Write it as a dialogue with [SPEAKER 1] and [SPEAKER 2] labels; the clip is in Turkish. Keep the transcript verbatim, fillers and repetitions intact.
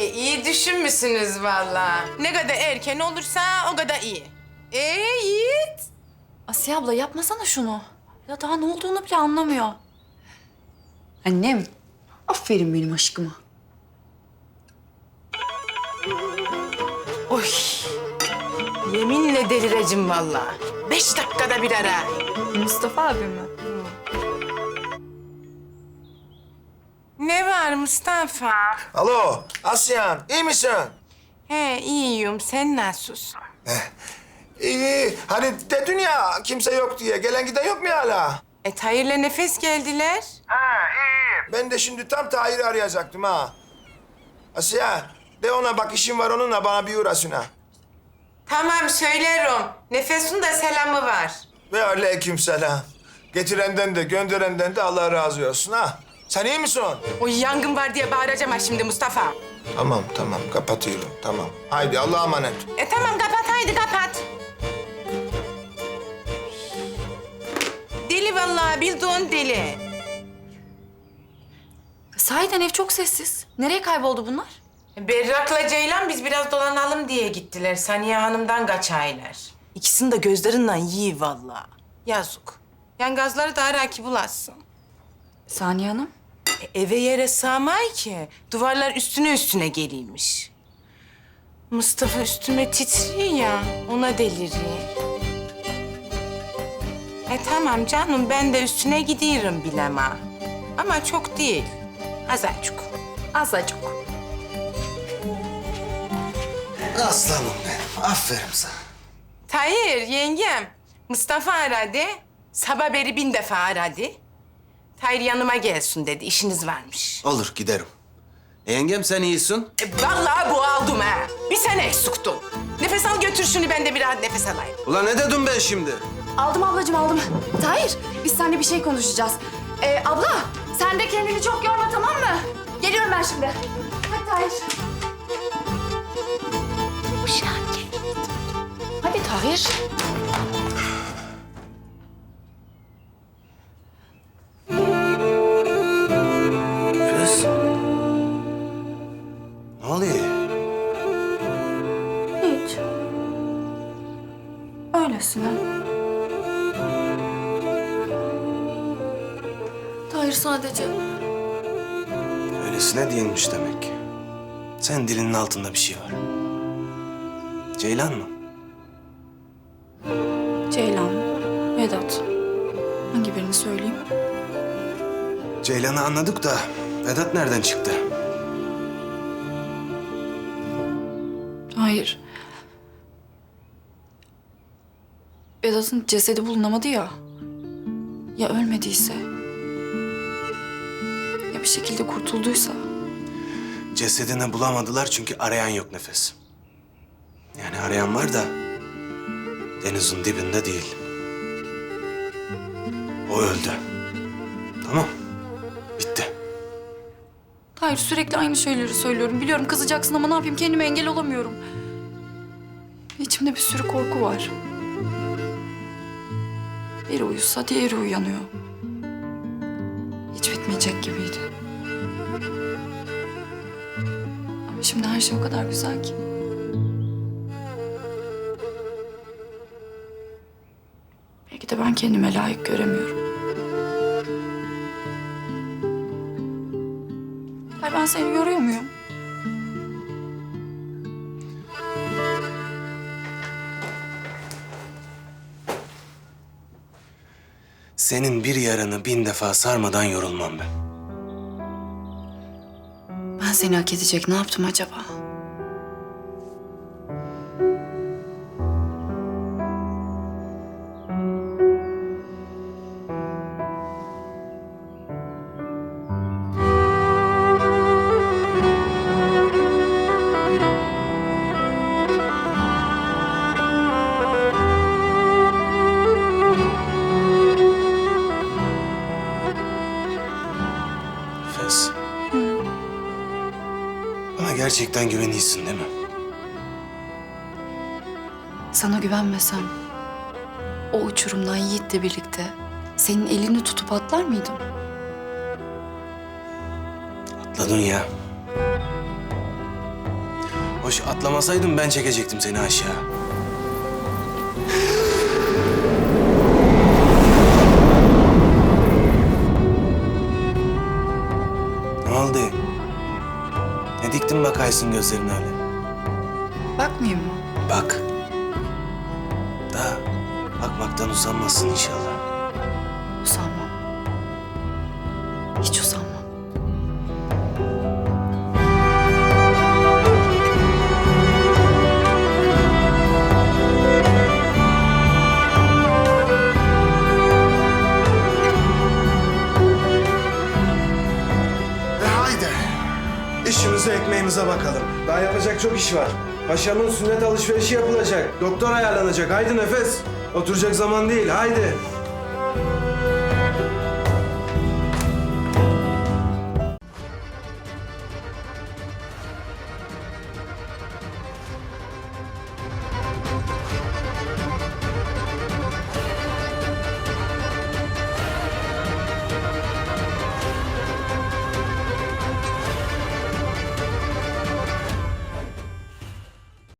[SPEAKER 1] iyi düşünmüşsünüz vallahi. Ne kadar erken olursa o kadar iyi. Ee Yiğit?
[SPEAKER 2] Asiye abla yapmasana şunu. Ya daha ne olduğunu bile anlamıyor.
[SPEAKER 3] Annem, aferin benim aşkıma.
[SPEAKER 1] Oy. Yeminle delireceğim vallahi. Beş dakikada bir ara.
[SPEAKER 2] Mustafa abi mi?
[SPEAKER 1] Ne var Mustafa?
[SPEAKER 4] Alo, Asyan, iyi misin?
[SPEAKER 1] He iyiyim. Sen nasılsın?
[SPEAKER 4] İyi, hani dedin ya kimse yok diye. Gelen giden yok mu hala?
[SPEAKER 1] E Tahir'le Nefes geldiler.
[SPEAKER 4] Ha, iyi. Ben de şimdi tam Tahir'i arayacaktım ha. Asya, de ona bak işim var onunla bana bir uğrasın ha.
[SPEAKER 1] Tamam söylerim. Nefes'in de selamı var.
[SPEAKER 4] Ve aleykümselam. Getirenden de gönderenden de Allah razı olsun ha. Sen iyi misin?
[SPEAKER 1] O yangın var diye bağıracağım ha şimdi Mustafa.
[SPEAKER 4] Tamam, tamam. Kapatıyorum, tamam. Haydi Allah'a emanet.
[SPEAKER 1] E tamam kapat haydi kapat. Deli vallahi bildiğin deli.
[SPEAKER 2] Sahiden ev çok sessiz. Nereye kayboldu bunlar?
[SPEAKER 1] Berrak'la Ceylan biz biraz dolanalım diye gittiler. Saniye Hanım'dan kaçaylar. İkisini de gözlerinden yiyi vallahi. Yazık. Yani gazları daha rakip bulasın.
[SPEAKER 2] Saniye Hanım.
[SPEAKER 1] E, eve yere sığmay ki. Duvarlar üstüne üstüne geliymiş. Mustafa üstüme titriyor ya. Ona deliriyor. E tamam canım ben de üstüne gidiyorum bilema. Ama çok değil. Azıcık.
[SPEAKER 2] Azıcık.
[SPEAKER 5] Aslanım benim. Aferin sana.
[SPEAKER 1] Tahir yengem. Mustafa aradı. Sabah beri bin defa aradı. Tahir yanıma gelsin dedi. İşiniz varmış.
[SPEAKER 5] Olur giderim. E, yengem sen iyisin.
[SPEAKER 1] E, vallahi boğaldım ha. Bir sen eksiktin. Nefes al götür şunu ben de bir rahat nefes alayım.
[SPEAKER 5] Ulan ne dedim ben şimdi?
[SPEAKER 2] Aldım ablacığım aldım. Tahir biz seninle bir şey konuşacağız. Ee, abla sen de kendini çok yorma tamam mı? Geliyorum ben şimdi. Hadi Tahir. Hadi Tahir.
[SPEAKER 5] Kız. Ne oluyor?
[SPEAKER 2] Hiç. Öylesine. Tahir sadece.
[SPEAKER 5] Öylesine değilmiş demek. Sen dilinin altında bir şey var. Ceylan mı?
[SPEAKER 2] Ceylan, Vedat. Hangi birini söyleyeyim?
[SPEAKER 5] Ceylan'ı anladık da Vedat nereden çıktı?
[SPEAKER 2] Hayır. Vedat'ın cesedi bulunamadı ya. Ya ölmediyse? Ya bir şekilde kurtulduysa?
[SPEAKER 5] Cesedini bulamadılar çünkü arayan yok Nefes. Yani arayan var da denizin dibinde değil. O öldü. Tamam. Bitti.
[SPEAKER 2] Hayır sürekli aynı şeyleri söylüyorum. Biliyorum kızacaksın ama ne yapayım kendime engel olamıyorum. İçimde bir sürü korku var. Biri uyusa diğeri uyanıyor. Hiç bitmeyecek gibiydi. Ama şimdi her şey o kadar güzel ki. Belki de ben kendime layık göremiyorum. Hayır ben seni yoruyor muyum?
[SPEAKER 5] Senin bir yaranı bin defa sarmadan yorulmam ben.
[SPEAKER 2] Ben seni hak edecek ne yaptım acaba?
[SPEAKER 5] Nefes. Bana gerçekten güveniyorsun değil mi?
[SPEAKER 2] Sana güvenmesem o uçurumdan Yiğit'le birlikte senin elini tutup atlar mıydım?
[SPEAKER 5] Atladın ya. Hoş atlamasaydın ben çekecektim seni aşağı. Ne oldu? Ne diktin bakaysın gözlerin öyle?
[SPEAKER 3] Bakmayayım mı?
[SPEAKER 5] Bak. Da bakmaktan usanmazsın inşallah.
[SPEAKER 3] Usanmam. Hiç usanmam.
[SPEAKER 5] E haydi. İşimize ekmeğimize bakalım. Daha yapacak çok iş var. Paşamın sünnet alışverişi yapılacak. Doktor ayarlanacak. Haydi Nefes. Oturacak zaman değil. Haydi.